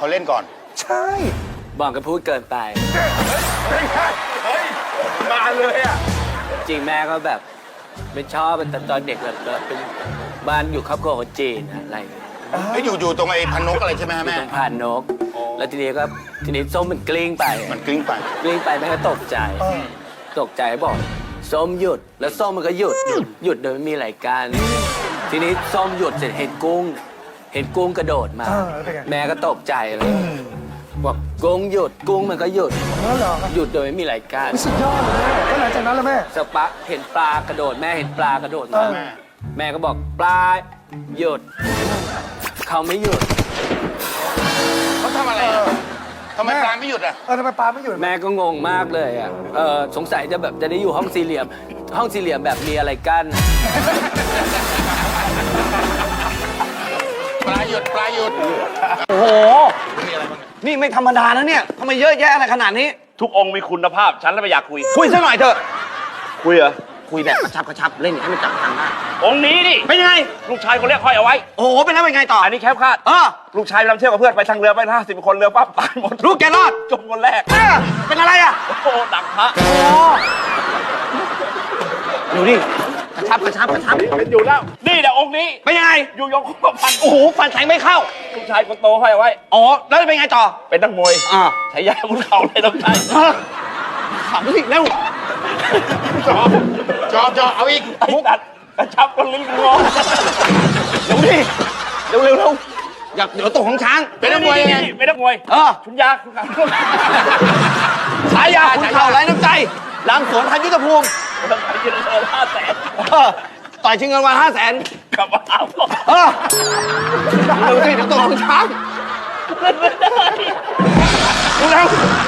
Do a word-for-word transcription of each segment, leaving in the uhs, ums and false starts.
เขาเล่นก่อนใช่บอกกับพูดเกินไปเฮ้ยมาเลยอ่ะจริงแม่ก็แบบไม่ชอบแต่ตอนเด็กแบบเป็นบ้านอยู่ครอบครัวคนจีนอะไรไอ้อยู่อยู่ตรงไอ้พันนกอะไรใช่ไหมแม่ตรงพันนกแล้วทีนี้ก็ทีนี้ส้มมันกลิ้งไปมันกลิ้งไปกลิ้งไปแม่ก็ตกใจตกใจบอกส้มหยุดแล้วส้มมันก็หยุดหยุดโดยไม่มีอะไรกันทีนี้ส้มหยุดเสร็จเห็นกุ้งเห็นกุ้งกระโดดมาแม่ก็ตกใจเลยบอกกุ้งหยุดกุ้งมันก็หยุดหยุดโดยไม่มีอะไรกันสุดยอดเลยแล้วหลังจากนั้นแล้วแม่สักพักเห็นปลากระโดดแม่เห็นปลากระโดดมาแม่ก็บอกปลาหยุดเขาไม่หยุดเขาทำอะไรทำไมปลาไม่หยุดอ่ะเออทำไมปลาไม่หยุดแม่ก็งงมากเลยอ่ะเออสงสัยจะแบบจะได้อยู่ห้องสี่เหลี่ยมห้องสี่เหลี่ยมแบบมีอะไรกั้นปลาหยุดปลาหยุดโอ้โหนี่ไม่ธรรมดานะเนี่ยทำไมเยอะแยะอะไรขนาดนี้ทุกองค์มีคุณภาพฉันแล้วไม่อยากคุยคุยซะหน่อยเถอะคุยเหรอคุยแบบกระชับกระชับเล่นให้มันจับทางได้องค์นี้นี่เป็นยังไงลูกชายคนแรกห้อยเอาไว้โอ้โหเป็นแล้วเป็นไงต่ออันนี้แคบคาดเออลูกชายไปทำเที่ยวกับเพื่อนไปทางเรือไปห้าสิบคนเรือปั๊บตายหมดลูกแกรอดจมคนแรกเป็นอะไรอ่ะโอ้ดักพระโอ้ดูดิกระชับกระชับกระชับเป็นอยู่แล้วนี่เดี๋ยวองค์นี้เป็นยังไงอยู่ยงคบฟันโอ้โหฟันแทงไม่เข้าลูกชายคนโตห้อยเอาไว้อ๋อแล้วเป็นไงต่อเป็นนักมวยอ่าใช้ยาคุณเข่าเลยต้องใช้ขำสิเร็วจอบจอบจอบเอาอีกมุกอัดกระชับคนลิ้นงอเร็วดิเร็วเร็วเร็วอยากเดี๋ยวตกของช้างเป็นนักมวยไงเป็นนักมวยเออชุนยาคุณขังฉายาคุณเข่าไร้น้ำใจหลังสวนทันยุทธภูมิต้องไปยืนเงินห้าแสนต่อยชิงเงินวันห้าแสนกลับมาเอาเออเร็วสิเดี๋ยวตกของช้างเล่นไม่ได้ดูแล้ว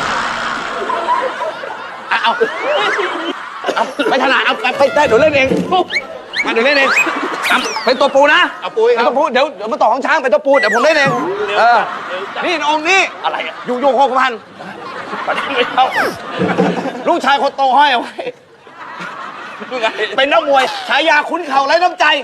เอาเอาไปถนัดเอาไปไปเดี๋ยวเล่นเองมาเดี๋ยวเล่นเองเป็นตัวปูนะเอาปูเป็นตัวปูเดี๋ยวเดี๋ยวมาต่อของช้างเป็นตัวปูเดี๋ยวผมเล่นเองเออนี่องค์นี้อะไรอ่ะอยู่โยงโคกพันไม่เข้าลูกชายคนโตห้อยเอาไว้เป็นนักมวยฉายาขุนเข่าไร้น้ำใจ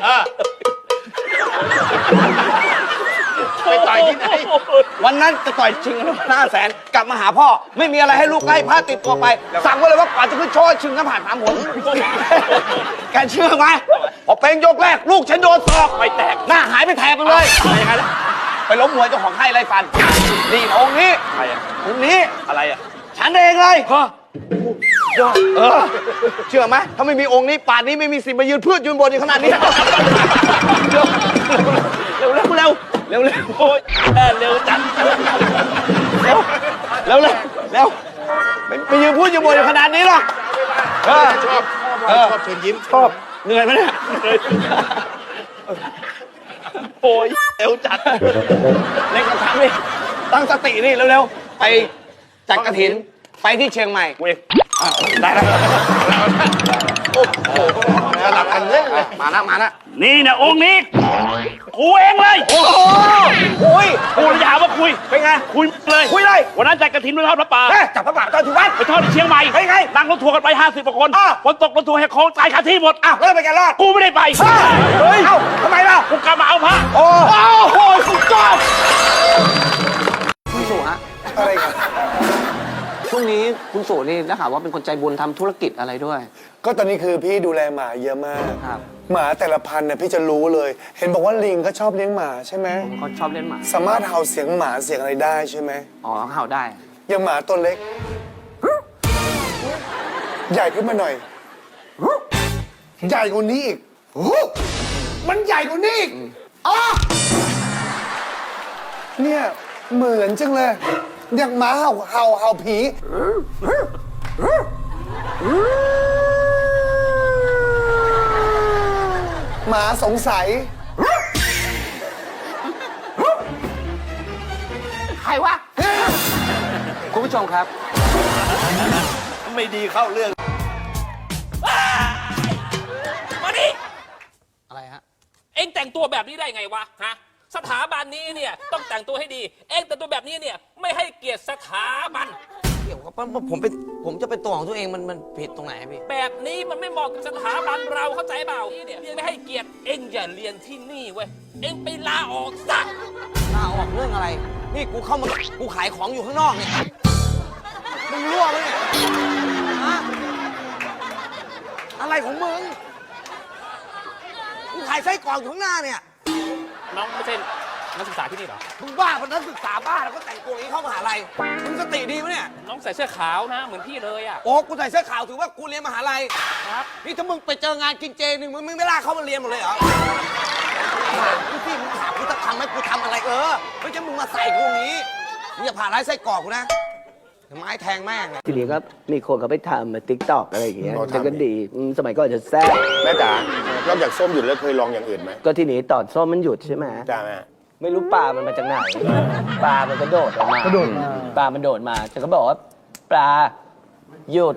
ไปต่อยที่ไหนวันนั้นจะต่อยชิงเงินห้าแสนกลับมาหาพ่อไม่มีอะไรให้ลูกไล่พระติดตัวไปสั่งไว้เลยว่ากว่าจะขึ้นโชว์ชิงน้ำผ่านสามผลแกเชื่อไหมพอเป็นยกแรกลูกฉันโดนศอกไปแตกหน้าหายไปแถบไปเลยไปล้มมวยเจ้าของไข้ไล่ฟันนี่องค์นี้อะไรอ่ะองค์นี้อะไรอ่ะฉันเองเลยเออเชื่อไหมถ้าไม่มีองค์นี้ป่านนี้ไม่มีสิทธิ์มายืนพืชยืนบนอยู่ขนาดนี้เร็วเร็วเร็วเร็วเร็วโอ้ยเร็วจังเร็วเร็วเร็วเร็วไม่ยืนพูดยืนบนอยู่ขนาดนี้หรอกชอบชอบชอบเชิญยิ้มชอบเหนื่อยไหมเนี่ยโอ้ยเร็วจัดเล่นกระชับนี่ตั้งสตินี่เร็วๆไปจัดกฐินไปที่เชียงใหม่เว้ยได้แล้วโอ้โหสลับกันเล่นเลยมาแล้วมาแล้วนี่นะองค์นี้กูเองเลยโอ้โหคุยกูจะหาว่าคุยเป็นไงคุยเลยคุยเลยวันนั้นจัดกฐินไปทอดพระป่าจับพระป่าตอนที่วัดไปทอดที่เชียงใหม่เป็นไงนั่งรถทัวร์กันไปห้าสิบกว่าคนฝนตกรถทัวร์แหกโค้งตายคาที่หมดอ้าวแล้วไปกันรอดกูไม่ได้ไปเฮ้ยเอ้าทำไมล่ะกูกลับมาเอาพระโอ้โหสุดยอดคุณสู่ฮะอะไรกันช่วงนี้คุณสู่นี่ได้ข่าวว่าเป็นคนใจบุญทำธุรกิจอะไรด้วยก็ตอนนี้คือพี่ดูแลหมาเยอะมากหมาแต่ละพันเนี่ยพี่จะรู้เลยเห็นบอกว่าลิงก็ชอบเลี้ยงหมาใช่ไหมเขาชอบเลี้ยงหมาสามารถเห่าเสียงหมาเสียงอะไรได้ใช่ไหมอ๋อเห่าได้อย่างหมาตัวเล็กใหญ่ขึ้นมาหน่อยใหญ่กว่านี้อีกมันใหญ่กว่านี้อีกอ๋อเนี่ยเหมือนจังเลยอย่างหมาเห่าเห่าเห่าผีหมาสงสัยใครวะคุณผู้ชมครับไม่ดีเข้าเรื่องมาดิอะไรฮะเอ็งแต่งตัวแบบนี้ได้ไงวะฮะสถาบันนี้เนี่ยต้องแต่งตัวให้ดีเอ็งแต่งตัวแบบนี้เนี่ยไม่ให้เกียรติสถาบันเกี่ยวกับผมเป็นผมจะเป็นตัวของตัวเองมันมันผิดตรงไหนพี่แบบนี้มันไม่เหมาะกับสถาบันเราเข้าใจเปล่าเนี่ยไม่ให้เกียรติเอ็งอย่าเรียนที่นี่เว้ยเอ็งไปลาออกซะลาออกเรื่องอะไรนี่กูเข้ามา กูขายของอยู่ข้างนอกเนี่ย มึงรั่วไหมเนี่ยฮะอะไรของมึง กูขายไส้กรอกอยู่ข้างหน้าเนี่ยน้องไม่ใช่นักศึกษาที่นี่เหรอมึงบ้าเป็นนักศึกษาบ้าแล้วก็แต่งตัวอย่างนี้เข้ามหาลัย มึงสติดีปะเนี่ยน้องใส่เสื้อขาวนะ เหมือนพี่เลยอ่ะโอ้กูใส่เสื้อขาวถือว่ากูเรียนมหาลัยครับนี่ถ้ามึงไปเจองานกินเจหนึ่งมึงไม่ลากเข้ามาเรียนหมดเลยเหรอถามกูสิมึงถามกูจะทำไหมกูทำอะไรเออ ไม่ใช่มึงมาใส่กูอย่างนี้ มึงอย่าผ่าร้ายไส้กรอกกูนะเดี๋ยวไม้แทงแม่งนะทีนี้ก็มีคนเขาไปทำมาติ๊กต็อกอะไรอย่างเงี้ยอ๋อทำฉันก็ดีอืมสมัยก่อนจะแซ่บแม่จ๋านอกจากส้มหยุดแล้วเคยลองอย่างอื่นไหมก็ทีนี้ตอนส้มมันหยุดใช่ไหมจ้าแม่ไม่รู้ปลามันมาจากไหน ปลามันกระโดดออกมากระโดดมาปลามันโดดมาฉันก็บอกว่าปลาหยุด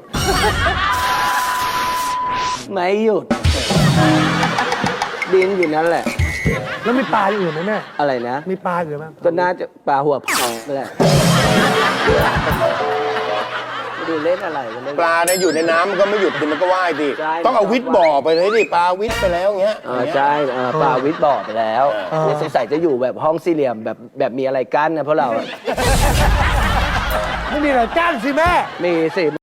ไม่หยุด ดินอยู่นั่นแหละแล้วมีปลาอย่างอื่นไหมแม่อะไรนะมีปลาอื่นไหมก็น่าจะปลาหัวพองนั่นแหละไม่ดูเล่นอะไรกันเล่นปลาเนี่ยอยู่ในน้ำมันก็ไม่หยุดดิมันก็ว่ายดิใช่ต้องเอาวิทย์บ่อไปเลยดิปลาวิทย์ไปแล้วอย่างเงี้ยเออใช่เออปลาวิทย์บ่อไปแล้วเออเนี่ยสงสัยจะอยู่แบบห้องสี่เหลี่ยมแบบแบบมีอะไรกั้นนะเพราะเราอะไม่มีอะไรกั้นสิแม่มีสิ